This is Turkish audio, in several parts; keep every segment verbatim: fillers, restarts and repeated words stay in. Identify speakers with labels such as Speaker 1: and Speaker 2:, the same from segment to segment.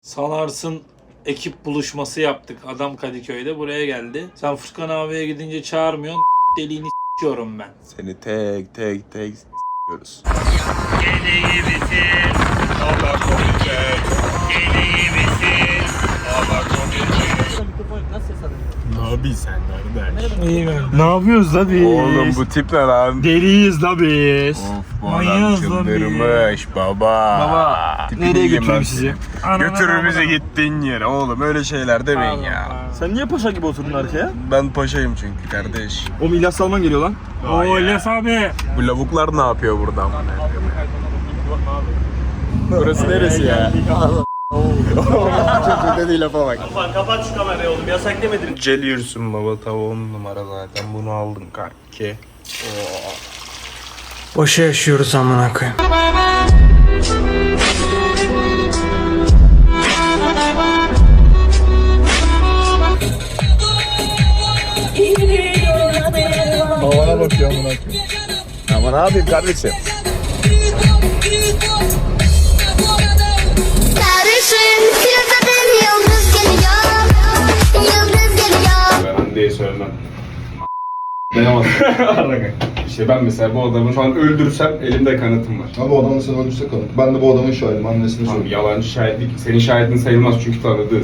Speaker 1: Sanarsın ekip buluşması yaptık. Adam Kadıköy'de buraya geldi. Sen Furkan abiye gidince çağırmıyorsun. Deliğini s**yorum ben.
Speaker 2: Seni tek tek tek s**yoruz.
Speaker 3: Deli misin? Allah koruyacak. Deli misin? Allah koruyacak.
Speaker 2: Ne yapıyorsun sen kardeş?
Speaker 1: İyi ben.
Speaker 4: Ne yapıyoruz la biz?
Speaker 2: Oğlum bu tip ne lan?
Speaker 4: Deliyiz la biz.
Speaker 2: Of bu
Speaker 1: Manyağız
Speaker 2: adam
Speaker 1: lan
Speaker 2: çıldırmış baba.
Speaker 4: Baba,
Speaker 2: Tipini
Speaker 4: nereye
Speaker 2: yiyeyim
Speaker 4: götüreyim
Speaker 2: lan
Speaker 4: sizi?
Speaker 2: seni. Götürür bizi gittiğin yere oğlum, öyle şeyler demeyin ya.
Speaker 4: Sen niye paşa gibi oturdun arkaya?
Speaker 2: Ben paşayım çünkü kardeş.
Speaker 4: Oğlum İlyas Salman geliyor lan.
Speaker 1: Oo İlyas abi.
Speaker 2: Bu lavuklar ne yapıyor burada? Burası neresi ya? Çok dediği lafa bak.
Speaker 4: Kapat şu kamerayı oğlum, yasak demedin.
Speaker 2: Celiyorsun baba, tavuğun numara zaten, bunu aldım kanki.
Speaker 5: Boşa yaşıyoruz amına koyayım.
Speaker 2: Havana bakıyor amına koyayım. Ama ne yapayım kardeşim?
Speaker 6: Sarışın yıldızın yıldız geliyor, yıldız geliyor.
Speaker 7: Ben Hande'ye söylemem. Dayanamazsın. İşte ben mesela bu adamı şu an öldürsem elimde kanıtım var.
Speaker 8: Abi o adamı sen öldürse kanıt. Ben de bu adamın şahidim, annesini
Speaker 7: Tamam,
Speaker 8: söyleyeyim.
Speaker 7: yalancı şahitlik, senin şahidin sayılmaz çünkü tanıdığız.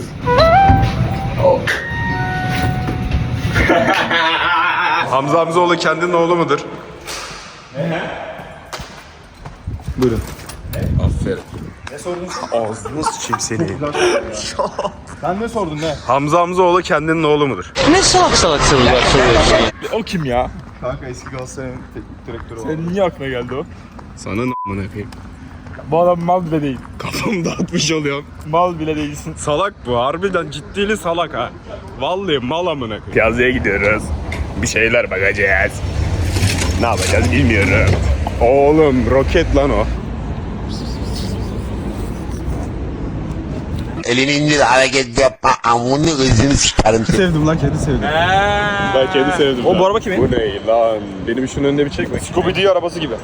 Speaker 2: Hamza Hamzoğlu kendinin oğlu mudur? Buyurun. Aferin.
Speaker 8: Ne sordun?
Speaker 2: Ağzını sıçayım seni.
Speaker 8: Sen ne sordun ne?
Speaker 2: Hamza Hamzoğlu kendinin oğlu mudur?
Speaker 4: O kim ya?
Speaker 8: Kanka eski Galatasaray'ın teknik direktörü var.
Speaker 4: Senin niye aklına geldi o?
Speaker 2: Sana ne amına koyayım?
Speaker 4: Bu adam mal bile değil.
Speaker 2: Kafamı dağıtmış oluyorum.
Speaker 4: Mal bile değilsin.
Speaker 2: Salak bu, harbiden ciddili salak ha. Vallahi mal amına koyayım. Yazıya gidiyoruz. Bir şeyler bakacağız. Ne yapacağız bilmiyorum. Oğlum roket lan o.
Speaker 9: Elini indir, hareket yapma, amını ızını sıkarım seni.
Speaker 8: Sevdim lan, kedi sevdim.
Speaker 2: Ben kedi sevdim.
Speaker 4: O
Speaker 2: lan.
Speaker 4: bu araba kimin?
Speaker 2: Bu ne lan? Benim şunun önünde bir çekme.
Speaker 4: Scooby-Doo arabası gibi.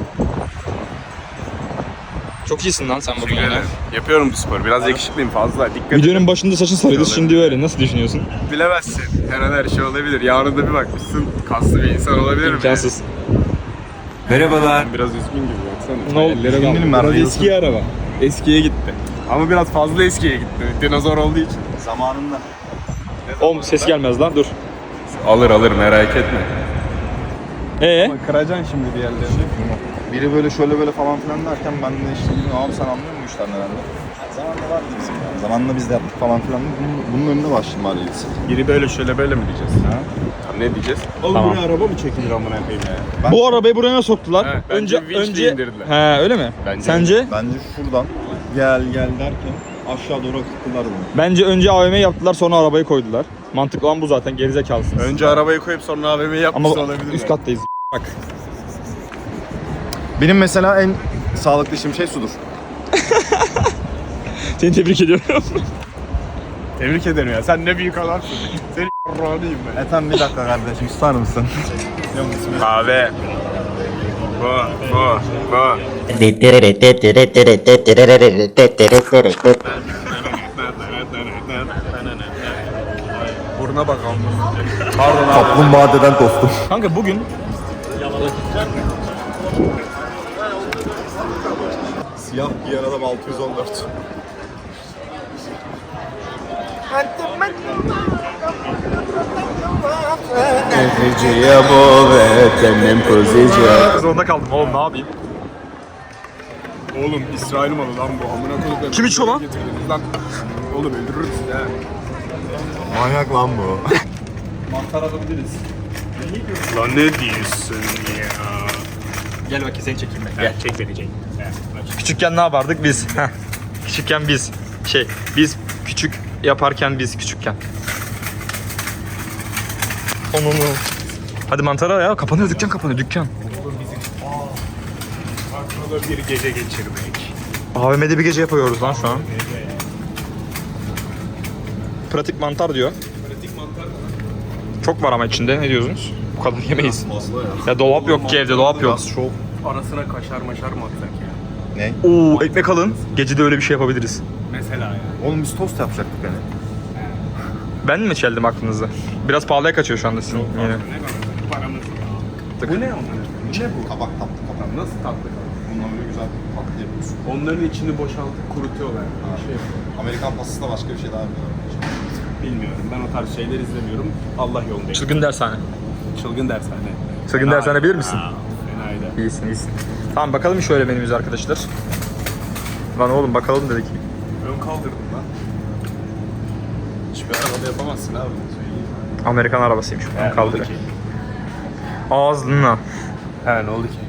Speaker 4: Çok iyisin lan sen bugün ya.
Speaker 2: Yapıyorum bu sporu. Biraz yakışıklıyım fazla. Dikkat
Speaker 4: Videonun
Speaker 2: edin.
Speaker 4: başında saçın sarıydı, şimdi öyle. Nasıl düşünüyorsun?
Speaker 2: Bilemezsin. Her an her şey olabilir. Yarın da bir bakmışsın kaslı bir insan olabilir mi?
Speaker 4: İmkansız.
Speaker 2: Merhabalar. Biraz üzgün gibi baksana.
Speaker 4: Ne oldu?
Speaker 2: Ellere daldı.
Speaker 8: Eminim ben
Speaker 2: Biraz
Speaker 8: reels'im.
Speaker 2: eski araba. Eskiye gitti. Ama biraz fazla eskiye gitti. Dinozor olduğu için.
Speaker 8: Zamanında.
Speaker 4: Oğlum ses gelmez lan, dur.
Speaker 2: Alır alır, merak etme.
Speaker 4: Ee?
Speaker 8: Kıracaksın şimdi bir yerlerini. Biri böyle şöyle böyle falan filan derken ben de işte dedim, abi sen anlıyor musun işlerden herhalde? Zamanında vardı bizim yani. Zamanında biz de yaptık falan filan. Bunun, bunun önüne başladım abi reels.
Speaker 2: Biri böyle şöyle böyle mi diyeceğiz? Ha? Ne diyeceğiz?
Speaker 8: Oğlum
Speaker 4: Tamam.
Speaker 8: buraya araba mı çekilir amına koyayım ya? Ben,
Speaker 4: Bu arabayı buraya nasıl soktular?
Speaker 2: Evet, bence
Speaker 4: önce
Speaker 2: vinçle
Speaker 4: önce
Speaker 2: indirdiler.
Speaker 4: He, öyle mi?
Speaker 2: Bence.
Speaker 4: Sence?
Speaker 8: Bence şuradan gel gel derken aşağı doğru akıttılar bunu.
Speaker 4: Bence önce A V M yaptılar, sonra arabayı koydular. Mantıklı olan bu zaten, gerizekalısınız.
Speaker 2: Önce arabayı koyup sonra A V M'yi yapmış
Speaker 4: Ama
Speaker 2: olabilir.
Speaker 4: üst kattayız. Bak.
Speaker 8: Benim mesela en sağlıklı işim şey sudur.
Speaker 4: Seni tebrik ediyorum.
Speaker 2: Tebrik ederim ya. Sen ne büyük adamsın. Seni r***lıyım ben.
Speaker 8: Ethem bir dakika kardeşim, susar mısın?
Speaker 2: Kahve. Bu, bu, bu. Buruna bakalım. Pardon abi.
Speaker 8: Kaplumbağadan dostum.
Speaker 4: Kanka bugün
Speaker 8: Siyah giyen adam altı yüz on dört.
Speaker 4: zorunda kaldım oğlum, ne yapayım?
Speaker 2: Oğlum İsrail malı lan bu. Amına koyduklarım.
Speaker 4: Kim içiyor lan?
Speaker 2: Getirdiniz lan. Oğlum öldürürüz ha.
Speaker 8: Manyak lan bu.
Speaker 2: Lan ne diyorsun ya?
Speaker 4: Gel bakayım seni çekeyim ben. Gel çek beni çek. Küçükken ne yapardık biz? Heh. Küçükken biz. Şey biz küçük yaparken biz küçükken. Onu. Hadi mantara ya, kapanıyor dükkan, kapanıyor dükkan.
Speaker 2: Aklına bir gece geçirmek.
Speaker 4: A V M'de bir gece yapıyoruz lan şu an. Pratik mantar diyor.
Speaker 2: Pratik mantar.
Speaker 4: Çok var ama içinde, ne diyorsunuz? Bu kadar yemeyiz.
Speaker 8: Fazla ya.
Speaker 4: Ya dolap yok ki evde, dolap yok.
Speaker 8: Biraz şov.
Speaker 7: Arasına kaşar maşar mı atsak ya?
Speaker 8: Ne?
Speaker 4: Oo, ekmek alın. Gece de öyle bir şey yapabiliriz.
Speaker 2: Mesela yani.
Speaker 8: Oğlum biz tost yapacaktık hani.
Speaker 4: Ben mi çeldim aklınızı? Biraz pahalıya kaçıyor şu anda sizin yine.
Speaker 2: Paramız. Bu ne onlar? Ne bu?
Speaker 8: Kabak tatlı kabak.
Speaker 2: Nasıl tatlı?
Speaker 8: Bundan böyle güzel tatlı yapıyorsun.
Speaker 2: Onların içini boşaltıp kurutuyorlar. Bir şey yapıyor.
Speaker 8: Amerikan pastası da başka bir şey daha yapıyorlar.
Speaker 2: Bilmiyorum. Ben o tarz şeyler izlemiyorum. Allah yolundayım.
Speaker 4: Çılgın dershane.
Speaker 2: Çılgın dershane.
Speaker 4: Çılgın dershane bilir misin?
Speaker 2: Fenaydı.
Speaker 4: İyisin iyisin. Tamam bakalım şöyle menümüz arkadaşlar. Lan oğlum bakalım dedik.
Speaker 2: Ön kaldırdım lan. Hiçbir arabada yapamazsın abi.
Speaker 4: Amerikan arabasıymış.
Speaker 2: He,
Speaker 4: Kaldır.
Speaker 2: ne oldu ki?
Speaker 4: Ağzına.
Speaker 2: He ne oldu ki?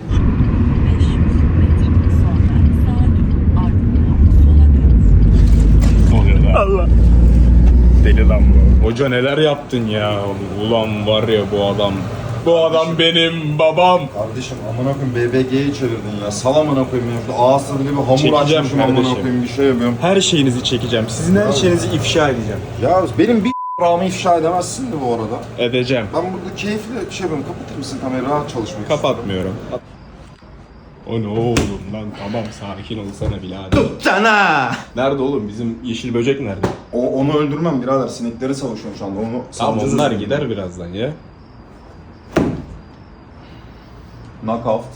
Speaker 2: Ne oluyor lan? Allah. Deli lan bu. Hoca neler yaptın ya? Ulan var ya bu adam. Bu adam benim babam.
Speaker 8: Kardeşim amına koyayım B B G'yi çevirdin ya. Sal amına koyayım ya. Şurada ağız tadıyla bir hamur
Speaker 2: Çekeceğim
Speaker 8: açmışım amına
Speaker 2: kardeşim.
Speaker 8: koyayım bir şey yapıyorum.
Speaker 2: Her şeyinizi çekeceğim. Sizin her şeyinizi ifşa edeceğim.
Speaker 8: Ya benim bir rağmen ifşa edemezsin de bu arada.
Speaker 2: Edeceğim.
Speaker 8: Ben burada keyifli şey yapıyorum. Kapatır mısın kamerayı? Rahat çalışmak istiyorum.
Speaker 2: Kapatmıyorum. O ne oğlum lan tamam sakin olsana birader.
Speaker 8: Sana!
Speaker 2: Nerede oğlum bizim yeşil böcek nerede?
Speaker 8: O, onu öldürmem birader. Sinekleri savaşıyorum şu anda. Onu
Speaker 2: Tamam
Speaker 8: salacağız
Speaker 2: onlar
Speaker 8: üzerine.
Speaker 2: gider birazdan ya.
Speaker 8: Knockout.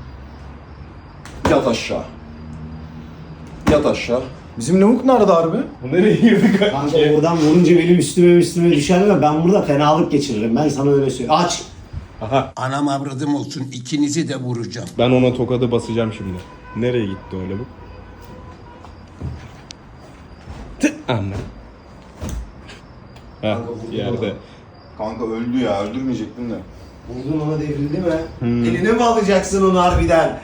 Speaker 8: Yat aşağı. Yat aşağı. Bizim lavuk nerede harbi?
Speaker 2: Bu nereye girdi
Speaker 10: Kanka oradan vurunca benim üstüme üstüme düşer ve ben burada fenalık geçiririm. Ben sana öyle söyleyeyim. Aç.
Speaker 2: Aha
Speaker 9: Anam avradım olsun ikinizi de vuracağım.
Speaker 2: ben ona tokadı basacağım şimdi. Nereye gitti öyle bu? Tı anne. Heh yerde.
Speaker 8: Kanka öldü ya. Öldürmeyecektin de.
Speaker 10: Vurdun ona devrildi mi? Eline mi alacaksın onu harbiden?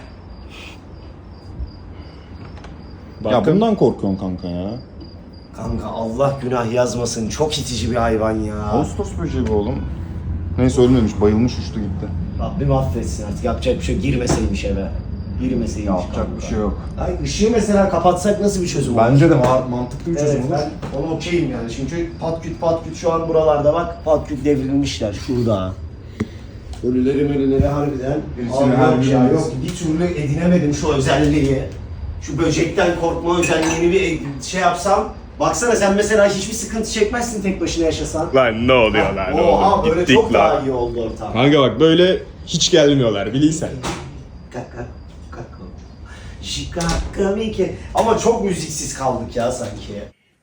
Speaker 8: Ya
Speaker 2: Bakın.
Speaker 8: bundan korkuyorsun kanka ya.
Speaker 10: Kanka Allah günah yazmasın. Çok itici bir hayvan ya.
Speaker 8: Ağustos böceği bu oğlum. Neyse ölmemiş. Bayılmış uçtu gitti.
Speaker 10: Rabbim affetsin artık. Yapacak bir şey yok. Girmeseymiş eve. Girmeseymiş
Speaker 8: Yapacak
Speaker 10: kanka.
Speaker 8: bir şey yok.
Speaker 10: Ay ışığı mesela kapatsak nasıl bir çözüm olur?
Speaker 8: Bence de ma- mantıklı bir çözüm
Speaker 10: Evet,
Speaker 8: olur.
Speaker 10: ben ona okeyim yani. Çünkü pat küt pat küt şu an buralarda bak. Pat küt devrilmişler şurada. Ölüleri ölüleri harbiden.
Speaker 8: Birisini
Speaker 10: Abi
Speaker 8: her
Speaker 10: yok
Speaker 8: gün
Speaker 10: ya
Speaker 8: yeriz.
Speaker 10: yok. Bir türlü edinemedim şu özelliği. Şu böcekten korkma özelliğini bir şey yapsam. Baksana sen mesela hiçbir sıkıntı çekmezsin tek başına yaşasan.
Speaker 2: Lan ne oluyor lan
Speaker 10: Oha
Speaker 2: oğlum?
Speaker 10: böyle
Speaker 2: Gittik
Speaker 10: çok daha
Speaker 2: lan.
Speaker 10: iyi oldu ortam.
Speaker 2: Kanka bak böyle hiç gelmiyorlar biliysen.
Speaker 10: Kaka, kaka. Şikaka miki. Ama çok müziksiz kaldık ya sanki.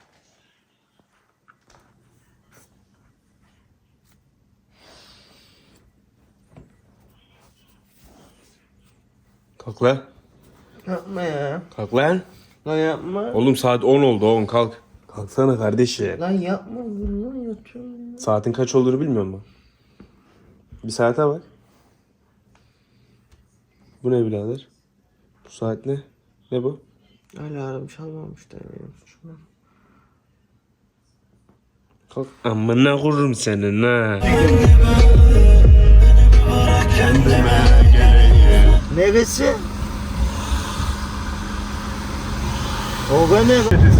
Speaker 2: Kalk lan.
Speaker 10: Yapma ya.
Speaker 2: Kalk lan.
Speaker 10: Lan yapma.
Speaker 2: Oğlum saat on oldu oğlum kalk. Kalksana kardeşim.
Speaker 10: Lan yapma. Lan yatıyorum.
Speaker 2: Saatin kaç olduğunu bilmiyor musun? Bir saate bak. Bu ne birader? Bu saat ne? Ne bu?
Speaker 10: Alarm çalmamış da benim suçum.
Speaker 2: Kalk. Amına kururum senin ha.
Speaker 10: Neresi? O ne?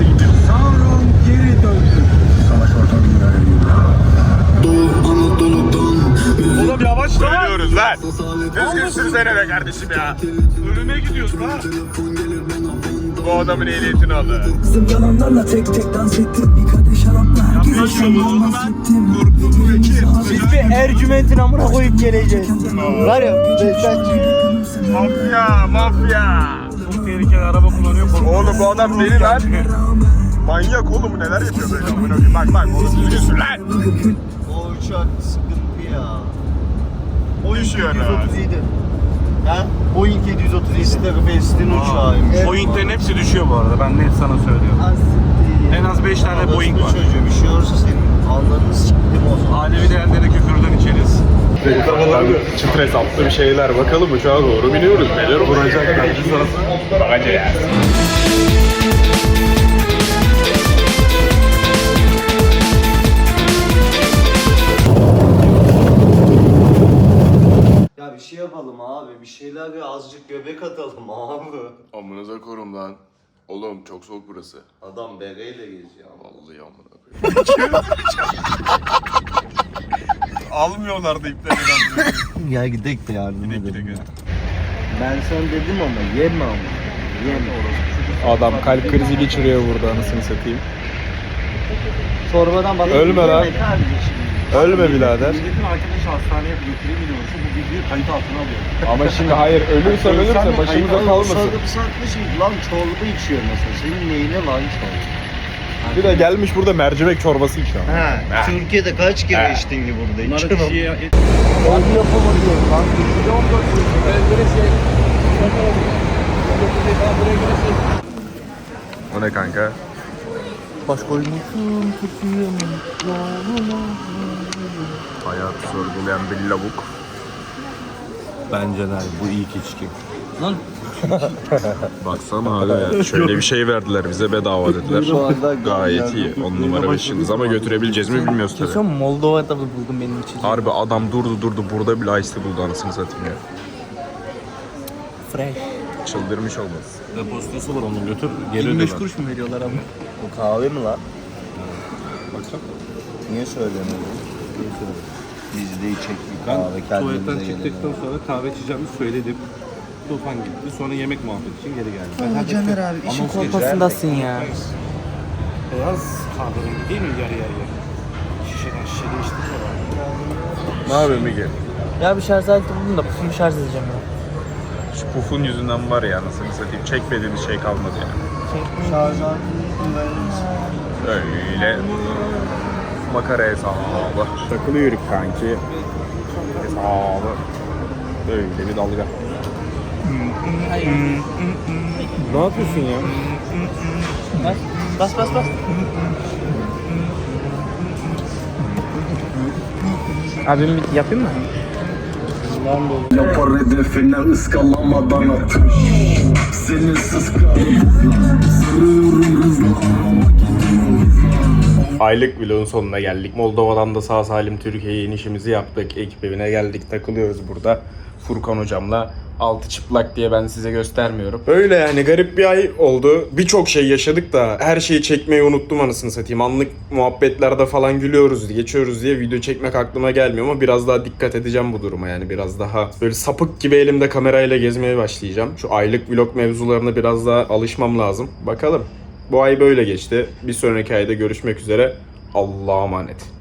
Speaker 2: Oğlum yavaş lan. Söylüyoruz lan. Düzgün sürsene be kardeşim ya. Ölüme gidiyoruz lan. Bu adamın ehliyetini aldı.
Speaker 5: Kızım yalanlarla tek tek dans ettim. Bir kadeh şarapla herkese şanlı bahsettim.
Speaker 10: Biz bir Ercüment'in amına koyup geleceğiz. Var ya.
Speaker 2: Mafya, mafya.
Speaker 1: Çok tehlikeli araba kullanıyor.
Speaker 2: Oğlum bu adam deli lan. Manyak oğlum neler yapıyor böyle amına koyayım. Bak bak oğlum düzgün sür lan.
Speaker 10: O uçak sıkıntı ya.
Speaker 2: Düşüyor lan.
Speaker 10: Ha? Boeing yedi yüz otuz yedi Best'in uçağıymış.
Speaker 1: Boeing'lerin hepsi düşüyor bu arada. Ben net sana söylüyorum. En az beş tane
Speaker 10: Orası
Speaker 1: Boeing
Speaker 10: bir
Speaker 1: var.
Speaker 10: çocuğu bir şey olursa senin alnını siktim o zaman.
Speaker 1: Alevi değerlere küfürden içeriz.
Speaker 2: Çıt hesaplı bir şeyler bakalım uçağa doğru biniyoruz. Neler vuracaklar. Bakacağız.
Speaker 10: Ya bir şey yapalım abi. Bir şeyler bir azıcık göbek atalım abi.
Speaker 7: Amınıza korum lan. Oğlum çok soğuk burası.
Speaker 10: Adam bereyle geziyor.
Speaker 7: Vallahi amına koyayım.
Speaker 2: Almıyorlar da ipleri.
Speaker 10: Ya gidelim de yardım edelim. Ben sana dedim ama yeme ama. Yeme.
Speaker 2: Adam kalp krizi geçiriyor burada anasını satayım.
Speaker 4: Çorbadan bak.
Speaker 2: Ölme lan. Ölme birader.
Speaker 3: Milletin arkadaşı hastaneye götüreyim biliyorsun. Bu videoyu kayıt altına alıyor.
Speaker 2: Ama şimdi hayır ölürsen ölürse başımıza kalmasın.
Speaker 10: Sarkmışım lan çorba içiyor mesela. Senin neyine lan çorba?
Speaker 2: Bir de gelmiş burada mercimek çorbası içiyor.
Speaker 10: Ha, Türkiye'de kaç kere içtin ki burada?
Speaker 3: Bunları
Speaker 10: İçemem.
Speaker 3: kişiye
Speaker 2: O ne kanka?
Speaker 8: Baş koymuşum tutuyorum.
Speaker 2: Hayatı sorgulayan bir lavuk.
Speaker 8: Bence de bu ilk içki.
Speaker 2: Baksana abi ya. Şöyle bir şey verdiler bize bedava dediler. Gayet iyi. On numara beş yıldız ama götürebileceğiz mi bilmiyoruz tabii.
Speaker 4: Kesin Moldova'da buldum benim için.
Speaker 2: Harbi adam durdu durdu burada bile ice tea buldu anasını satayım ya.
Speaker 4: Fresh.
Speaker 2: Çıldırmış olmaz.
Speaker 7: Depozitosu var onun götür. Geri
Speaker 4: yirmi beş
Speaker 7: ödeme.
Speaker 4: kuruş mu veriyorlar ama?
Speaker 8: Bu kahve mi lan?
Speaker 7: Baksana.
Speaker 8: Niye söylemiyorsun? Biz de içecek bir
Speaker 7: Ben
Speaker 8: kahve
Speaker 7: tuvaletten
Speaker 8: kendimize
Speaker 7: çıktıktan
Speaker 8: gelelim.
Speaker 7: sonra kahve içeceğimi söyledim. Tufan gitti. Sonra yemek muhabbeti için geri geldi. Ben
Speaker 4: Aa, Caner abi işin kolpasındasın ya.
Speaker 7: Beyaz kahverengi değil mi yarı yarıya? Şişeden şişe değiştiriyorlar.
Speaker 2: Ne yapıyorsun Miguel?
Speaker 4: Ya bir şarj aleti buldum da pufumu şarj edeceğim ya.
Speaker 2: Şu pufun yüzünden var ya anasını satayım. Çekmediğimiz şey kalmadı yani. Öyle makara hesabı. Takılıyoruz kanki. Hesabı. Böyle bir dalga. Ne yapıyorsun ya?
Speaker 4: Bas bas bas. bas. Abim bir yapayım mı?
Speaker 5: Yapar hedefine ıskalamadan atış. Senin sıskalımızla sarıyorum hızla.
Speaker 2: Aylık vlogun sonuna geldik. Moldova'dan da sağ salim Türkiye'ye inişimizi yaptık. Ekip evine geldik, takılıyoruz burada. Furkan hocamla. Altı çıplak diye ben size göstermiyorum. Öyle yani garip bir ay oldu. Birçok şey yaşadık da her şeyi çekmeyi unuttum anasını satayım. Anlık muhabbetlerde falan gülüyoruz, geçiyoruz diye video çekmek aklıma gelmiyor ama biraz daha dikkat edeceğim bu duruma yani. Biraz daha böyle sapık gibi elimde kamerayla gezmeye başlayacağım. Şu aylık vlog mevzularına biraz daha alışmam lazım. Bakalım. Bu ay böyle geçti. Bir sonraki ayda görüşmek üzere. Allah'a emanet.